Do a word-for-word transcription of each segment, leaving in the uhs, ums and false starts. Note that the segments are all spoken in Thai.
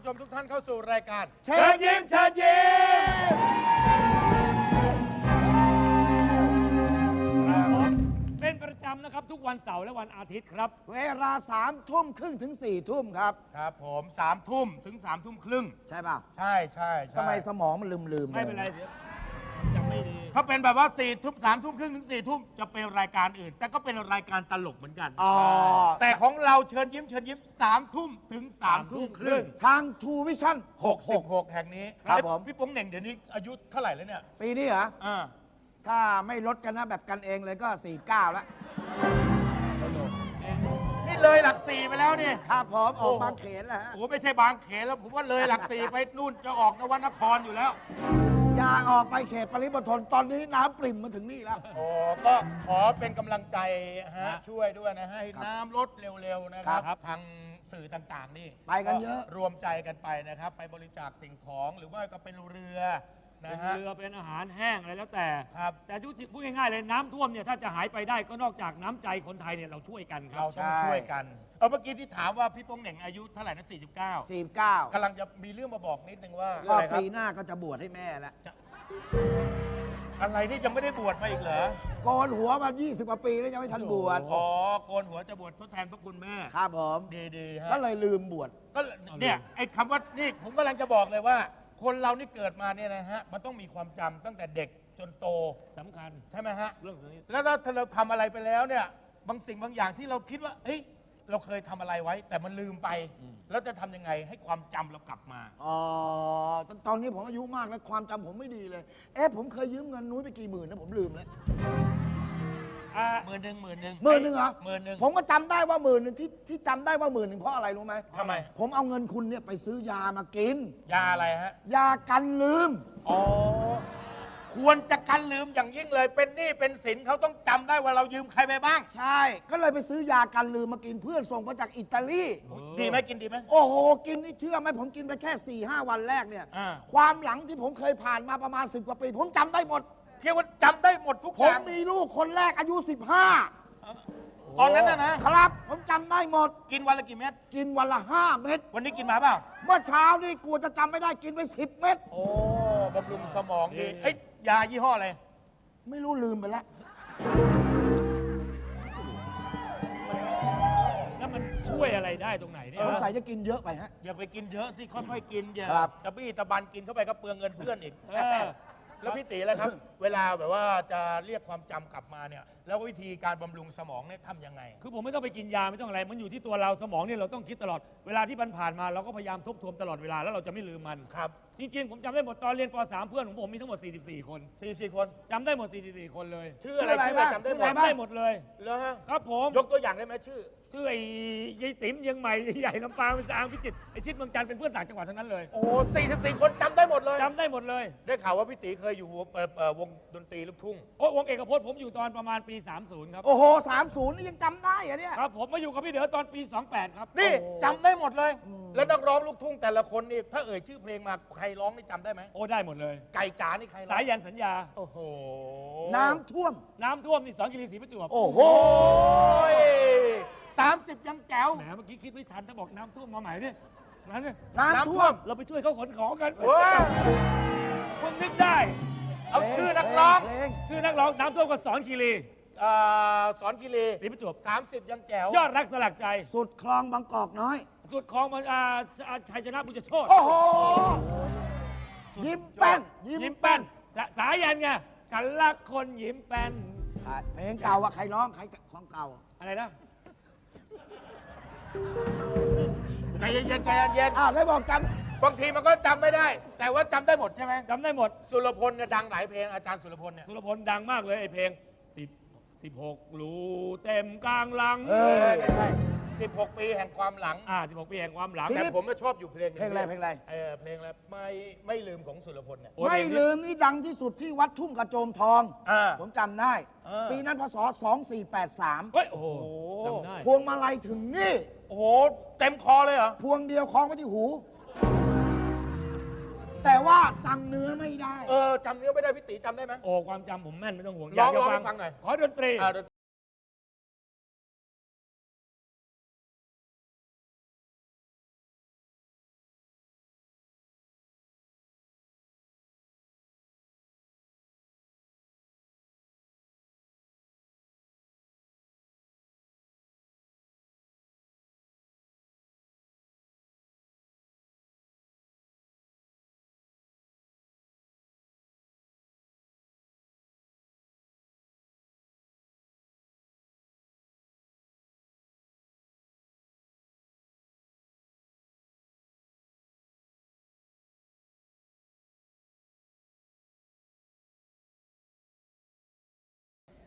ผู้ชมทุกท่านเข้าสู่รายการเชิญยิ้มเชิญยิ้มครับผมเป็นประจำนะครับทุกวันเสาร์และวันอาทิตย์ครับเวลาสามทุ่มครึ่งถึงสี่ทุ่มครับครับผมสามทุ่มถึงสามทุ่มครึ่งใช่ป่ะใช่ใช่ใช่ทำไมสมองมันลืมลืมไม่เป็นไรเดี๋ยวจำไม่ดีถ้าเป็นแบบว่าสี่ทุ่มสามทุ่มครึ่งถึงสี่ทุ่มจะเป็นรายการอื่น แต่ก็เป็นรายการตลกเหมือนกันอ๋อแต่ของเราเชิญยิ้มเชิญยิ้มสามทุ่มถึงสามทุ่มครึ่งทางทูวิชั่นหหกกหสิกบหกแห่งนี้ครับเอ้ยผมพี่โป๋งเหน่งเดี๋ยวนี้อายุเท่าไหร่แล้วเนี่ยปีนี้เหรออ่าถ้าไม่ลดกันนะแบบกันเองเลยก็สี่เก้าแล้วนี่เลยหลักสี่ไปแล้วนี่ครับผมออกบางเขนแล้วฮะโอ้โหไม่ใช่บางเขนแล้วผมว่าเลยหลักสี่ไปนู่นจะออกนวนครอยู่แล้วอยากออกไปเขตปริมณฑลตอนนี้น้ำปริ่มมาถึงนี่แล้วโอ้ก็ขอเป็นกำลังใจฮะช่วยด้วยนะฮะให้น้ำลดเร็วๆนะครับครับทางสื่อต่างๆนี่ไปกันเยอะรวมใจกันไปนะครับ ไปบริจาคสิ่งของหรือว่าก็เป็นเรือนะเป็นฮะเรือเป็นอาหารแห้งอะไรแล้วแต่ครับแต่พูดง่ายๆเลยน้ำท่วมเนี่ยถ้าจะหายไปได้ก็นอกจากน้ำใจคนไทยเนี่ยเราช่วยกันครัเราบต้องช่วยกันเอาเมื่อกี้ที่ถามว่าพี่โป้งเหน่งอายุเท่าไหร่นะสี่สิบเก้าสี่เก้ากำลังจะมีเรื่องมาบอกนิดนึงว่าก็ปีหน้าก็จะบวชให้แม่แล้วอะไรที่ยังไม่ได้บวชมาอีกเหรอโกนหัวมายี่สิบกว่าปีแล้วยังไม่ทันบวชอ๋อโกนหัวจะบวชทดแทนพระคุณแม่ครับผมดีๆฮะก็เลยลืมบวชก็เนี่ยไอ้คำว่านี่ผมกำลังจะบอกเลยว่า คนเรานี่เกิดมาเนี่ยนะฮะมันต้องมีความจำตั้งแต่เด็กจนโตสำคัญใช่ไหมฮะเรื่องนี้แล้วถ้าเราทำอะไรไปแล้วเนี่ยบางสิ่งบางอย่างที่เราคิดว่าเฮ้ยเราเคยทำอะไรไว้ แต่มันลืมไป แล้วจะทำยังไงให้ความจำเรากลับมาอ๋อตอนตอนนี้ผมอายุมากแล้วความจำผมไม่ดีเลย เอ๊ะผมเคยยืมเงินนุ้ยไปกี่หมื่นนะผมลืมแล้วอ่าหมื่นหนึ่งหมื่นหนึ่งหมื่นหนึ่งเหรอหมื่นหนึ่งผมก็จำได้ว่าหมื่นหนึ่งที่ที่จำได้ว่าหมื่นหนึ่งเพราะอะไรรู้ไหมทำไมผมเอาเงินคุณเนี่ยไปซื้อยามากินยาอะไรฮะยากันลืมอ๋อควรจะกันลืมอย่างยิ่งเลย เป็นหนี้เป็นสินเขาต้องจำได้ว่าเรายืมใครไปบ้างใช่ ก็เลยไปซื้อยากันลืมมากินเพื่อนส่งมาจากอิตาลีดีไหมกินดีไหมโอ้โห กินนี่เชื่อไหมผมกินไปแค่4ี่ห้าวันแรกเนี่ยอ่าความหลังที่ผมเคยผ่านมาประมาณสิบกว่าปี ผมจำได้หมดเพียงว่าจำได้หมดทุกผอมย่างมีลูกคนแรกอายุสิบห้าตอนนั้นนะนะครับผมจำได้หมดกินวันละกี่เม็ดกินวันละห้าเม็ดวันนี้กินมาเปล่าเมื่อเช้านี่กลัวจะจำไม่ได้กินไปสิบเม็ดโอ้บำรุงสมองดีเอ้ยยายี่ห้ออะไรไม่รู้ลืมไปแล้วแล้วมันช่วยอะไรได้ตรงไหนเนี่ยสงสัยจะกินเยอะไปฮะอย่าไปกินเยอะสิ ค่อยๆกินอย่าครับตะบี้ตะบันกินเข้าไปก็เปลืองเงินเพื่อนอีกเออแล้วพี่ตีแล้วครับ เวลาแบบว่าจะเรียกความจำกลับมาเนี่ย แล้ววิธีการบำรุงสมองเนี่ยทำยังไงคือผมไม่ต้องไปกินยาไม่ต้องอะไร มันอยู่ที่ตัวเราสมองเนี่ยเราต้องคิดตลอด เวลาที่มันผ่านมาเราก็พยายามทบทวนตลอดเวลาแล้วเราจะไม่ลืมมันครับจริงๆ ผมจำได้หมดตอนเรียนป .สาม เพื่อนของผมมีทั้งหมด สี่สิบสี่ คนสี่สี่คนจำได้หมด สี่สิบสี่ คนเลยชื่ออะไรชื่ชื่อออะอะไร ไรจำได้หมชื่อดอะไรจำได้หมดเลยแล้วฮะครับผมยกตัวอย่างได้ไหมชื่อชื่อไอ้ยายติ๋มเชียังใหม่ใหญ่ลำปางเป็นสางพิจิตรไอ้ชิดเมืองจันทร์เป็นเพื่อนต่างจังหวัดทั้งนั้นเลยโอ้สี่สิบสี่คนจำได้หมดเลยจำได้หมดเลยได้ข่าวว่าพี่ตีเคยอยู่วงเอ่อเอ่อวงดนตรีลูกทุ่งโอ้ยวงเอกพจน์ผมอยู่ตอนประมาณปี สามสิบ ครับโอ้โหสามศูนย์นี่ยังจำได้เหรอเนี่ยครับผมมาอยู่กับพี่เด๋อตอนปี สองแปด ครับนี่โอ้จำได้หมดเลยอืมแล้วนักร้องลูกทุ่งแต่ละคนนี่ถ้าเอ่ยชื่อเพลงมาใครร้องนี่จำได้ไหมโอ้ได้หมดเลยไก่จ๋านี่ใครร้องสายยันสัญญาโอ้โหน้ำท่วมน้ำท่วมนี่สองกิรีศรีประจวบโอ้โหโอ้ยสามสิบยังแจ๋วแหมเมื่อกี้คิดไม่ทันถ้าบอกน้ำท่วมมาใหม่เนี่ยนั้นเนี่ยน้ำท่วมเราไปช่วยเขาขนของกันว้าคุณนึกได้เอาชื่อนักร้องเพลงชื่อนักร้องน้ำท่วมก็สอนคีรีเอ่อสอนกิเลศรีประจวบสามสิบยังแจ๋วยอดรักสลักใจสุดคลองบางกอกน้อยสุดของมันอ่าอ่าชัยชนะบุญโชตโอ้โห ยิ้มแป้นยิ้มแป้นสาสายันไงฉันรักคนยิ้มแป้นอ่ะเพลงเก่าอะใครร้องใครของเก่าอะไรนะใจเย็นๆใจเย็นอ้าวได้บอกจๆบางทีมันก็จำไม่ได้ แต่ว่าจำได้หมดใช่ไหมจำได้หมดสุรพลเนี่ยดังหลายเพลงอาจารย์สุรพลเนี่ยสุรพลดังมากเลยไอเพลงสิบสิบหกรูเต็มกลางหลังำเอเอออใช่สิบหกปีแห่งความหลังอ่าสิบหกปีแห่งความหลังทีแต่นี้ผมก็ชอบอยู่เพลงหนึ่เพลงอะไรเพลงอะไรเออเพลงอะไรไม่ไม่ลืมของสุรพลเนี่ยโอ้ไม่เพลงนี้ลืมนี่ดังที่สุดที่วัดทุ่งกระโจมทองอ่าผมจำได้เออปีนั้นพศสองสี่แปดสามเฮ้ยโอ้โหโอ้โหจำได้พวงมาลัยถึงนี่โอ้โหเต็มคอเลยเหรอพวงเดียวคล้องไว้ที่หู แต่ว่าจำเนื้อไม่ได้เออจำเนื้อไม่ได้พี่ตีจำได้ไหมโอ้ความจำผมแม่นไม่ต้องห่วงร้องยากจะร้องให้ฟังหน่อยขอดนตรีอ่า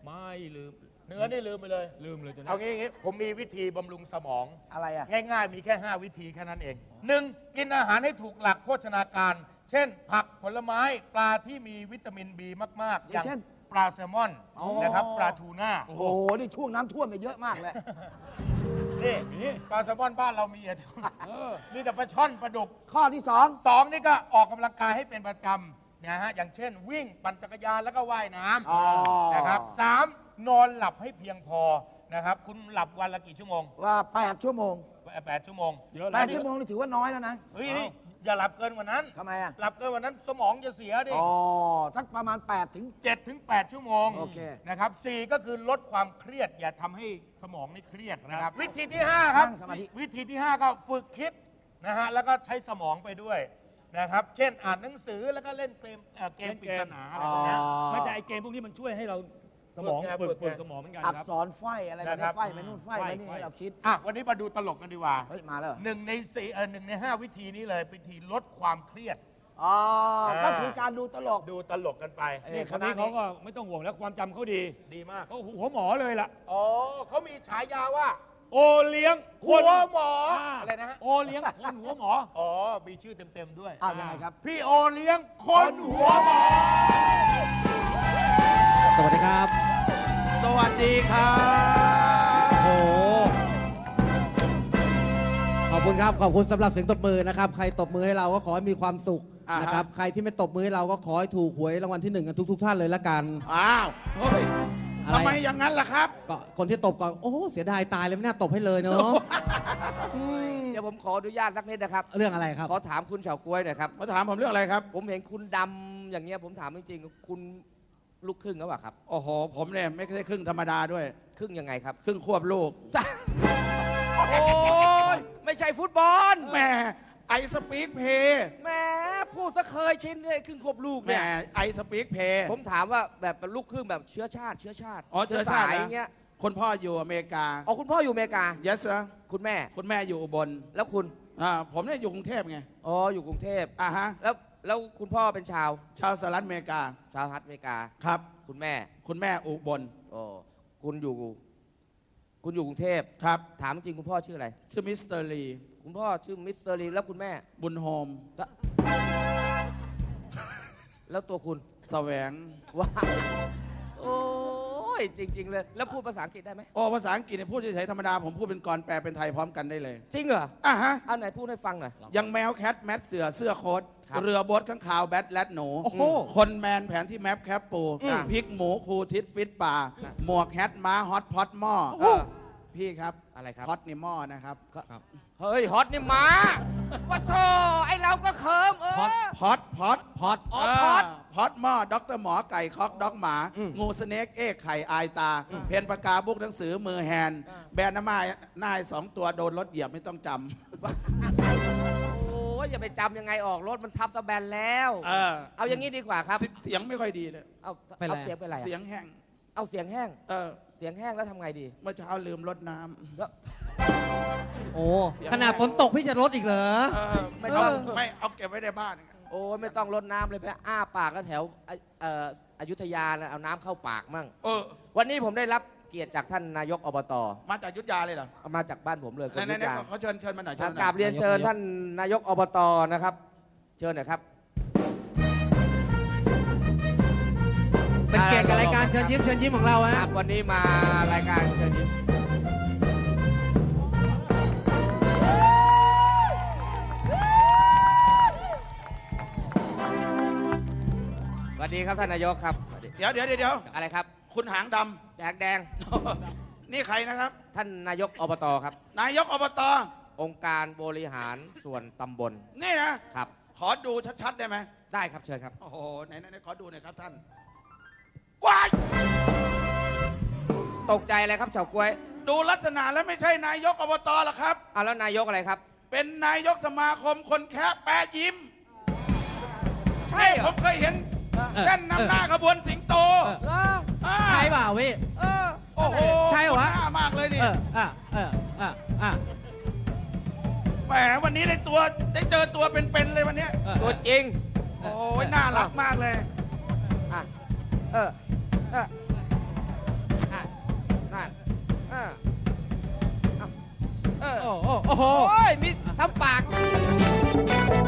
ไม่ลืมเนื้อนี่ลืมไปเลยลืมเลยจนเอางี้งี้ผมมีวิธีบำรุงสมองอะไรอ่ะง่ายๆ มีแค่ ห้า วิธีแค่นั้นเองหนึ่งกินอาหารให้ถูกหลักโภชนาการ เช่น ผักผลไม้ปลาที่มีวิตามิน บี มากๆอย่างเช่นปลาแซลมอนอ๋อนะครับปลาทูน่าโอ้โห นี่ช่วงน้ำท่วมเนี่ยเยอะมากเลยนี่นี่ปลาแซลมอนบ้านเรามีอะเออมีแต่ปลาช่อนปลาดุกข้อที่สองสองนี่ก็ออกกำลังกายให้เป็นประจำนะฮะอย่างเช่น วิ่งปั่นจักรยานแล้วก็ว่ายน้อ๋อำนะครับสามนอนหลับให้เพียงพอนะครับคุณหลับวันละกี่ชั่วโมงว่าแปดชั่วโมงแปดชั่วโมงเยอะแปแล้วดชั่วโมงนี่ถือว่าน้อยแล้วนะเฮ้ยนี่อย่าหลับเกินกว่านั้นทำไมอ่ะหลับเกินกว่านั้นสมองจะเสียดิอ๋อ สักประมาณแปดถึงเจ็ดถึงแปดชั่วโมงโอเคนะครับสี่ก็คือลดความเครียด อย่าทำให้สมองไม่เครียดนะครับ วิธีที่ห้าครับนั่งสมาธิวิธีที่ห้าก็ฝึกคิดนะฮะแล้วก็ใช้สมองไปด้วยนะครับ เช่นอ่านหนังสือแล้วก็เล่นเกมเอ่อเกมปริศนาอะไรพวกเนี้ยไม่แต่ไอเกมพวกนี้มันช่วยให้เราสมองฝึฝึกกไงฝึกสมองเหมือนกันอักครับษรไฟอะไรแบบนะครันี้บไฟไปนู่นไฟไปนี่ไขว้ให้เราคิดอ่ะวันนี้มาดูตลกกันดีกว่าเฮ้ย มาแล้วเหรอหนึ่งในสี่เออหนึ่งในห้าวิธีนี้เลยวิธีลดความเครียดอ๋ออ่าก็คือการดูตลกดูตลกกันไปเอ้นี่ยคนนี้เขาก็ไม่ต้องห่วงแล้วความจำเขาดีดีมากเขาหัวหมอเลยล่ะอ๋อเขามีฉายาว่าโอเลี้ยงคหันวหมออ่าอะไรนะฮะโอเลี้ยงคนหัวหมออ๋อ มีชื่อเต็ม ๆ ด้วยอ้าวยังไงครับพี่โอเลี้ยงคนหัวหมอสวัสดีครับสวัสดีครับโอ้โห ขอบคุณครับ ขอบคุณสำหรับเสียงตบมือนะครับ ใครตบมือให้เราก็ขอให้มีความสุขอ่าฮะนะครับ ใครที่ไม่ตบมือให้เราก็ขอให้ถูกหวยรางวัลที่หนึ่งกันทุก ๆ ท่านเลยละกันอ้าวเฮ้ยอะไรทำไมอย่างนั้นล่ะครับก็คนที่ตบก่อน โอ้โหเสียดายตายเลยไม่น่าตบให้เลยเนาะอืมเดี๋ยวผมขออนุญาตสักนิดนะครับเรื่องอะไรครับขอถามคุณเฉาก๊วยหน่อยครับมาถามผมเรื่องอะไรครับผมเห็นคุณดำอย่างเงี้ยผมถามจริงๆ คุณลูกครึ่งหรือเปล่าครับโอ้โห ผมเนี่ยไม่ใช่ครึ่งธรรมดาด้วยครึ่งยังไงครับครึ่งควบลูกโอ้ยไม่ใช่ฟุตบอลแหม่ไอสปีกเพย์แหมพูดซะเคยชินเลยครึ่งควบลูกแหม่เนี่ยไอสปีกเพย์ผมถามว่าแบบเป็นลูกครึ่งแบบเชื้อชาติ เชื้อชาติอ๋อเชื้อชาติสายนะอย่างเงี้ยคนพ่ออยู่อเมริกาอ๋อคุณพ่ออยู่อเมริกา yes sir คุณแม่คุณแม่อยู่อุบลแล้วคุณอ่าผมเนี่ยอยู่กรุงเทพไงอ๋ออยู่กรุงเทพอ่าฮะแล้วแล้วคุณพ่อเป็นชาวชาวสหรัฐอเมริกาชาวฮัตอเมริกาครับคุณแม่คุณแม่อุบลอ๋อคุณอยู่ คุณอยู่กรุงเทพครับถามจริงคุณพ่อชื่ออะไรชื่อมิสเตอร์ลีคุณพ่อชื่อมิสเตอร์ลีแล้วคุณแม่บุญโฮมแล้วแล้วตัวคุณแสวงว้าโอ้ยจริง ๆ เลย แล้วพูดภาษาอังกฤษได้ไหมโอ้ภาษาอังกฤษเนี่ยพูดเฉยๆธรรมดา ผมพูดเป็นกรแปลเป็นไทยพร้อมกันได้เลยจริงเหรออ่ะฮะเอาไหนพูดให้ฟังหน่อยยังแมวแคทแมทเสือเสื้อโค้ทครับเรือบดข้างขาวแบทแลดหนูโอ้โหคนแมนแผนที่แมปแคปปูอืมพริกหมูคูทิศฟิตป่า หมวกแฮทม้าฮอตพอตหม้อเออพี่ครับอะไรครับฮอตนี่หม้อนะครับเฮ้ย ฮอตนี่หมาว่าโธ่ไอเราก็เคิมเออฮอตพอตพอตพอดอ๋อพอตพอตหม้อด็อกเตอร์หมอไก่คอกด็อกหมา งูสเน็กเอกไข่อายตา เพนปากกาบุกหนังสือมือแฮนด์แบรนด์น้ำมายนายสองตัวโดนรถเหยียบไม่ต้องจโอ้ยอย่าไปจำยังไงออกรถมันทับตะแบนแล้วำเออเอาอย่างนี้ดีกว่าครับเสเสียงไม่ค่อยดีเลยเอาเป็นไรเอาเสียงเป็นไรอะเสียงแห้งเอาเสียงแห้งเออเสียงแห้งแล้วทำไงดีเมื่อเช้าลืมรดน้ำแล้วโอ้ ขนาดฝนตกพี่จะลดอีกเหรอเออไม่เออเอาไม่เอาเก็บไว้ในบ้านโอ้ยไม่ต้องรดน้ำเลยไปอ้าปากก็แถวไอ้เอ่ออยุธยานะเอาน้ำเข้าปากมั่งเออวันนี้ผมได้รับเกียรติจากท่านนายกอบตมาจากยุทธยาเลยเหรอเอามาจากบ้านผมเลยคนไหนยุไหธนยาเขาเชิญเชิญมาหน่อยคเชิรัญบหน่อยกราบเรียนเชิญนายกท่านนายกอบตนะครับ เชิญหน่อยครับเป็นเกียรติกับรายการเชิญยิ้มเชิญยิ้มของเราคฮะรับวันนี้มารายการเชิญยิ้มสวัสดีครับท่านนายกครับสวัสดีเดี๋ยวเดี๋ยวเดี๋ยวเดี๋ยวอะไรครับคุณหางดแดงแดงำ นี่ใครนะครับท่านนายกอบตครับนายกอบตองค์การบริหารส่วนตำบลนี่นะครับขอดูชัดๆได้ไหมได้ครับเชิญครับโอ้โหไหนไหนไหนขอดูหน่อยครับท่านว้ายตกใจอะไรครับเฉาก๊วยดูลักษณะแล้วไม่ใช่นายกอบตหรอกครับอ่ะแล้วนายกอะไรครับเป็นนายกสมาคมคนแคะแปะยิ้มใช่เหรผอมเคยเห็นเออเส้นนำหน้าขบวนสิงโตเอออ่าใช่เปล่าพี่เออโอ้โหใช่เหรอวะหน้ามากเลยนี่เอออ่ะเอออ่ะอ่ะแหมวันนี้ได้ตัวได้เจอตัวเป็นๆเลยวันเนี้ยเออตัวจริงโอ้ยน่ารักมากเลยอ่ะ เออ เออโอ้โหโอ้ยมีทำปาก